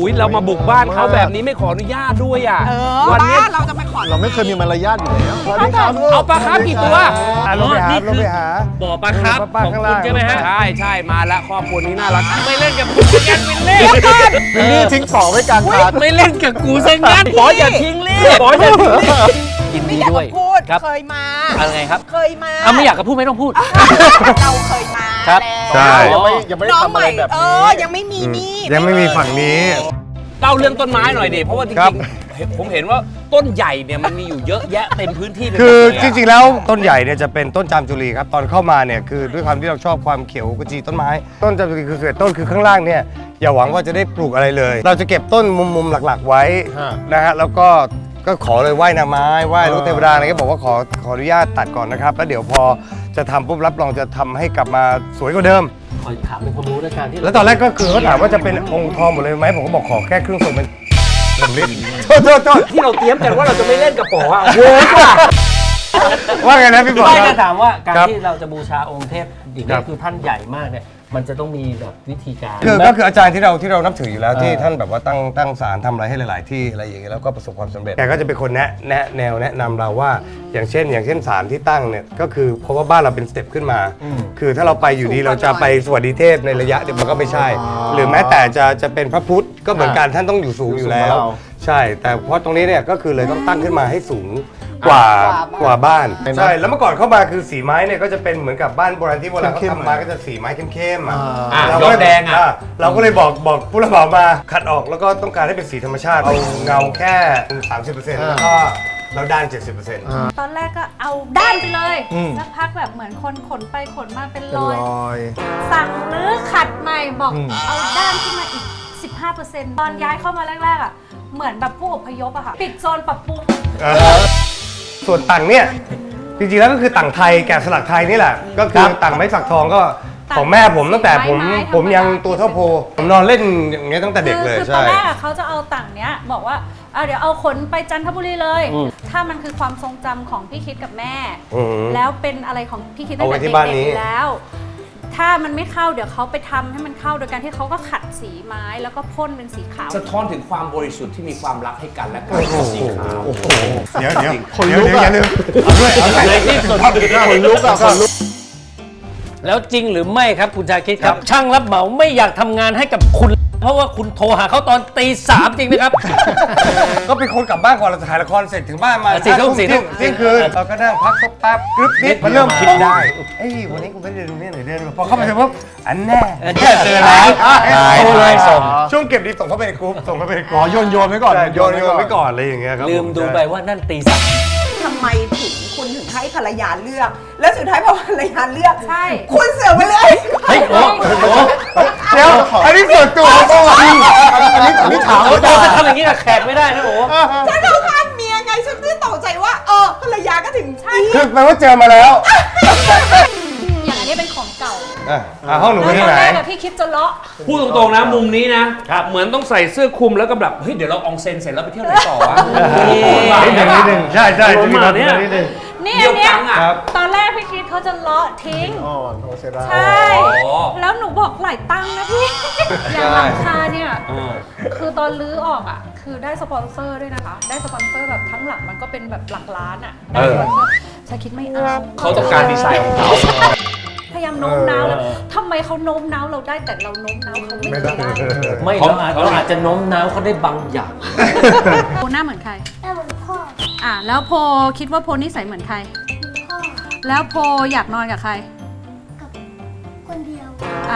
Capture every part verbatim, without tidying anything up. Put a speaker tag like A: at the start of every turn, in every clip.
A: ยเรามาบุกบ้านเขาแบบนี้ไม่ขออนุญาตด้วยอ่ะ
B: เออวันนี้เราจะไปขอ
C: เราไม่เคยมีมารยาทอยู่แล้ว
A: เอาปลาคาร์ฟกี่ตัว
D: ลงไปหาลงไปหา
A: บ่อปลาคาร์ฟของคุณใช่ไหมฮะใช่ใช่มาละครอบครัวนี้น่ารักไม่เล่นกับกูกันวินเล่
C: วินนี่ทิ้งป๋อไว้กลางทาง
A: ไม่เล่นกับกูซะงั้นป๋ออย่าทิ้งเล่ป๋ออย่าทิ้งยินดีด้วย
B: ครับเคยมา
A: อะไรครับ
B: เคยมา
A: เอาไม่อยากจะพูดไม่ต้องพูด
B: เราเคยมา
A: ครับ
C: ใช่ยังไม่ยังไม่ได้ทำอะไรแบบนี้
B: เออยังไม่มีนี่
D: ยังไม่มีฝั่งนี้
A: เล่าเรื่องต้นไม้หน่อยดิเพราะว่าจริงๆผมเห็นว่าต้นใหญ่เนี่ยมันมีอยู่เยอะแยะเต็มพื้นที่เลย
D: คือจริงๆแล้วต้นใหญ่เนี่ยจะเป็นต้นจามจุรีครับตอนเข้ามาเนี่ยคือด้วยความที่เราชอบความเขียวกระจีต้นไม้ต้นจามจุรีคือเกิดต้นคือข้างล่างเนี่ยอย่าหวังว่าจะได้ปลูกอะไรเลย เราจะเก็บต้นมุมๆหลักๆไว้นะฮะแล้วก็ก็ขอเลยไหว้นางไม้ไหว้ลูกเทวดาอะไรก็บอกว่าขอขออนุญาตตัดก่อนนะครับแล้วเดี๋ยวพอจะทำปุ๊บรับรองจะทำให้กลับมาสวยกว่าเดิม
A: ขอถามเป็นความรู้ในการที่
D: แล้วตอนแรกก็คือเขาถามว่าจะเป็นองค์ทองหมดเลยไหมผมก็บอกขอแค่ครึ่งส่วนเป็นสำลิดโทษโทษโทษ
A: ที่เราเตรียมกันว่าเราจะไม่เล่นกับป๋ออ่ะโว้ย
D: ว่าไงนะพี่ป๋อ
A: ไม่จะถามว่าการที่เราจะบูชาองค์เทพอย่างนี้คือท่านใหญ่มากเนี่ยมันจะต้องมีแบบวิธีการ
D: คือก็คืออาจารย์ที่เราที่เรานับถืออยู่แล้วที่ท่านแบบว่าตั้งตั้งศาลทำอะไรให้หลาย ๆ ที่อะไรอย่างเงี้ยแล้วก็ประสบความสำเร็จแกก็จะเป็นคนแนะแนะแนวแนะนำเราว่าอย่างเช่น อย่างเช่นศาลที่ตั้งเนี่ยก็คือเพราะว่าบ้านเราเป็นสเต็ปขึ้นมาคือถ้าเราไปอยู่ดีเราจะไปสวัสดีเทพในระยะเดียวมันก็ไม่ใช่หรือแม้แต่จะจะเป็นพระพุทธก็เหมือนกันท่านต้องอยู่สูงอยู่แล้วใช่แต่เพราะตรงนี้เนี่ยก็คือเลยต้องตั้งขึ้นมาให้สูงกว่ากว่าบ้านใช่แล้วเมื่อก่อนเข้ามาคือสีไม้เนี่ยก็จะเป็นเหมือนกับบ้านโบราณที่โบราณเขาทำมาก็จะสีไม้เข้มๆอ่ะ
A: ยอดแดงอ่ะ
D: เราก็เลยบอกบอกผู้รับเหมามาขัดออกแล้วก็ต้องการให้เป็นสีธรรมชาติเอาเงาแค่ สามสิบเปอร์เซ็นต์ แล้วก็เราด้าน เจ็ดสิบเปอร์เซ็นต์
E: ตอนแรกก็เอาด้านไปเลยสักพักแบบเหมือนคนขนไปขนมาเป็นรอยสั่งหรือขัดใหม่บอกเอาด้านขึ้นมาอีก สิบห้าเปอร์เซ็นต์ ตอนย้ายเข้ามาแรกๆอ่ะเหมือนแบบผู้อพยพอะค่ะปิดโซนปรับปรุง
D: ส่วนต่างเนี่ยจริงๆแล้วก็คือต่างไทยแกะสลักไทยนี่แหละก็คือต่างไม้สักทองก็ของแม่ผมตั้งแต่ผมผมยังตัวเท่าโพผมนอนเล่นอย่างเงี้ยตั้งแต่เด็กเลย
E: ใช่คือตอนแรกเขาจะเอาต่างเนี้ยบอกว่าเอาเดี๋ยวเอาขนไปจันทบุรีเลยถ้ามันคือความทรงจำของพี่คิดกับแม่แล้วเป็นอะไรของพี่คิดตั้งแต่เด็กๆแล้วถ้ามันไม่เข้าเดี๋ยวเขาไปทำให้มันเข้าโดยการที่เขาก็ขัดสีไม้แล้วก็พ่นเป็นสีขาว
A: สะท้อนถึงความบริสุทธิ์ที่มีความรักให้กันและกันสีขาว
D: เดี๋ยวเดี๋ยวคนลุกอย่าลืมเอาด้วยเอาด้วย
A: ที่สุด
C: คนลุกอะคนลุก
A: แล้วจริงหรือไม่ครับคุณชาคิดครับช่างรับเหมาไม่อยากทำงานให้กับคุณเพราะว่าคุณโทรหาเขาตอนตีสามจริงไหมครับ
D: ก็เป็นคนกลับบ้านก่อนเราถ่ายละครเสร็จถึงบ้านมา
A: สี่ทุ่มสี่ทุ่ม
D: เที่ยงคืนเราก็นั่งพักสักแป๊บกรึ๊บนิดมันเริ่มคิดได้เอ้ยวันนี้กูไม่ได้ดูเนี่ยหน่อยเดินพอเข้าไปเสร็จปุ๊บอันแน่
A: เจอแล้ว
D: โทรเลยส่งช่วงเก็บดีส่งเข้าไปในกรุ๊ปส่งเข้าไปในกรุ๊ป
C: โยนโยนไว้ก่อน
D: โยนโยนไว้ก่อนอะไรอย่างเงี้ยครับ
A: ลืมดูไปว่านั่นตีสาม
B: ทำไมถึงคุณถึงให้ภรรยาเลือกแล้วสุดท้ายพอภรรยาเลือก
E: ใช่
B: คุณเสือกไปเลย
A: เฮ้ยโอ้โห
D: เดี๋ยวอันนี้ส่วนตัวเขาบอกอันนี้
A: อันนี้ถามว่าจะทำอย่างนี้กับแขกไม่ได้นะโอ้
B: ฉันเอาข้ามเมียไงฉันไม่ตกใจว่าเออภรรยาก็ถึงใช่
D: คือแปลว่าเจอมาแล้ว
E: อย่างอันนี้เป็นของเก่า
D: อ่าห้องหนูเป็นที่ไหน
E: พี่คิดจะเลาะ
A: พูดตรงๆนะมุมนี้นะเหมือนต้องใส่เสื้อคลุมแล้วก็แบบเฮ้ยเดี๋ยวเราอองเซนเสร็จแล้วไปเที่ยวไหนต่อวะ
D: นิดนึงนิดนึงใช่ใช่จะมีแบบนี้นิดนึง
E: นี่อันเนี้ยตอนแรกพี่คิดเขาจะเลาะทิ้งใช่แล้วหนูบอกหลายตังค์นะพี่อย่างราคาเนี่ยคือตอนลื้อออกอ่ะคือได้สปอนเซอร์ด้วยนะคะได้สปอนเซอร์แบบทั้งหลังมันก็เป็นแบบหลักล้านอ่ะได้สปอนเซอร์ชาคิดไม่เอา
A: เขาต้องการดีไซน์ของเขา
E: พยายามโน้มน้าวแล้วทำไมเขาโน้มน้าวเราได้แต่เราโน้มน้าวเขาไม่ได้
A: ไม่เราอาจเราอาจจะโน้มน้าวเขาได้บางอย่าง
E: โพหน้าเหมือนใครหน้าเหมือนพ่ออ่ะแล้วโพคิดว่าโพนิสัยเหมือนใครพ่อแล้วโพอยากนอนกับใครกับ
F: คนเดียว
E: อ่ะ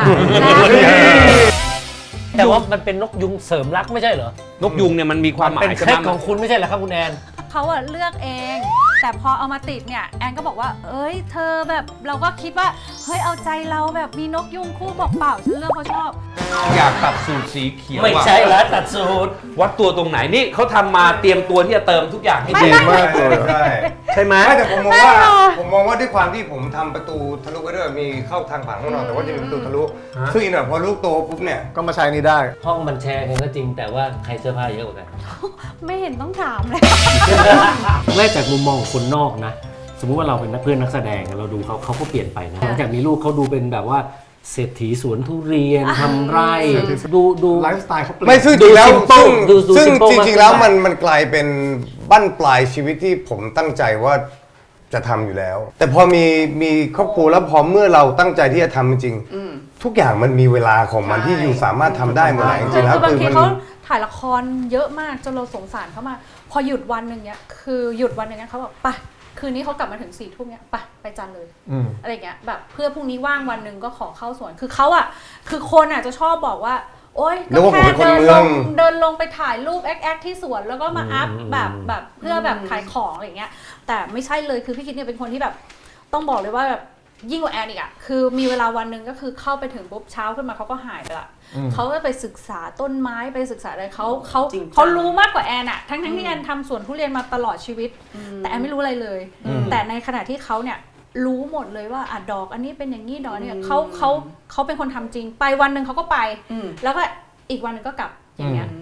A: แต่ว่ามันเป็นนกยุงเสริมรักไม่ใช่เหรอนกยุงเนี่ยมันมีความหมายเป็นแค่ของคุณไม่ใช่เหรอครับคุณแอน
E: เขาอะเลือกเองแต่พอเอามาติดเนี่ยแอนก็บอกว่าเอ้ยเธอแบบเราก็คิดว่าเฮ้ยเอาใจเราแบบมีนกยุงคู่บอกเปล่าฉันเลือกเพราะชอบ
A: อยากตัดสูตรสีเขียวไม่ใช่แล้วตัดสูตรวัดตัวตรงไหนนี่เขาทำมาเตรียมตัวที่จะเติมทุกอย่างให้ดี
D: มากเลยใช่
A: ใช่ไหม
D: แต่ผมมองว่าผมมองว่าด้วยความที่ผมทำประตูทะลุไปด้วยมีเข้าทางผ่านห้องนอนแต่ว่าจะมีประตูทะลุซึ่งอีกหน่อยพอลูกโตปุ๊บเนี่ย
C: ก็มาใช้นี่ได้
A: ห้องมันแชร์กันก็จริงแต่ว่าใครเสื้อผ้าเยอะกว่ากัน
E: ไม่เห็นต้องถามเลย
A: แรกจากมุมมองคนนอกนะสมมุติว่าเราเป็นนักเพื่อนนักแสดงเราดูเขาเขาก็เปลี่ยนไปนะหลังจากมีลูกเขาดูเป็นแบบว่าเศรษฐีสวนทุเรียนทำไร่ดูดู
C: ไลฟ์สไตล์เขาเปลี่ยน
D: ไม่ซึ่งจริงแล้ว
A: simple
D: ซึ่ง
A: ดูดู
D: ซึ่ง
A: simple
D: จ
A: มาก
D: ริงๆแล้วมันมันกลายเป็นบั้นปลายชีวิตที่ผมตั้งใจว่าจะทำอยู่แล้ว แต่พอมีมีครอบครัวแล้วพอเมื่อเราตั้งใจที่จะทำจริงๆทุกอย่างมันมีเวลาของมันที่อยู่สามารถทำได้หมดเลยจริงๆแล้ว
E: คือบาง
D: คือ
E: ที
D: มัน
E: เขาถ่ายละครเยอะมากจนเราสงสารเขามากพอหยุดวันหนึ่งเนี้ยคือหยุดวันหนึ่งเนี้ยเขาบอกไปคืนนี้เขากลับมาถึงสี่ทุ่มเนี้ยไปไปจันเลยอะไรเงี้ยแบบเพื่อพรุ่งนี้ว่างวันหนึ่งก็ขอเข้าสวนคือเขาอ่ะคือคนอ่ะจะชอบบอกว่าโอ๊ยก็แค่เดินลงเดินลงไปถ่ายรูปแอคแอคที่สวนแล้วก็มาอัพแบบแบบเพื่อแบบขายของอะไรเงี้ยแต่ไม่ใช่เลยคือพี่คิดเนี่ยเป็นคนที่แบบต้องบอกเลยว่าแบบยิ่งกว่าแอนอีกอ่ะคือมีเวลาวันหนึ่งก็คือเข้าไปถึงปุ๊บเช้าขึ้นมาเขาก็หายไปละเขาก็ไปศึกษาต้นไม้ไปศึกษาอะไรเขาเขาเขารู้มากกว่าแอนอ่ะทั้งทั้งที่แอนทำสวนทุเรียนมาตลอดชีวิตแต่แอนไม่รู้อะไรเลยแต่ในขณะที่เขาเนี่ยรู้หมดเลยว่าอ่ะดอกอันนี้เป็นอย่างนี้ดอกเนี่ยเขาเขาเขาเป็นคนทำจริงไปวันหนึ่งเขาก็ไปแล้วก็อีกวันหนึ่งก็กลับอย่างเงี้ย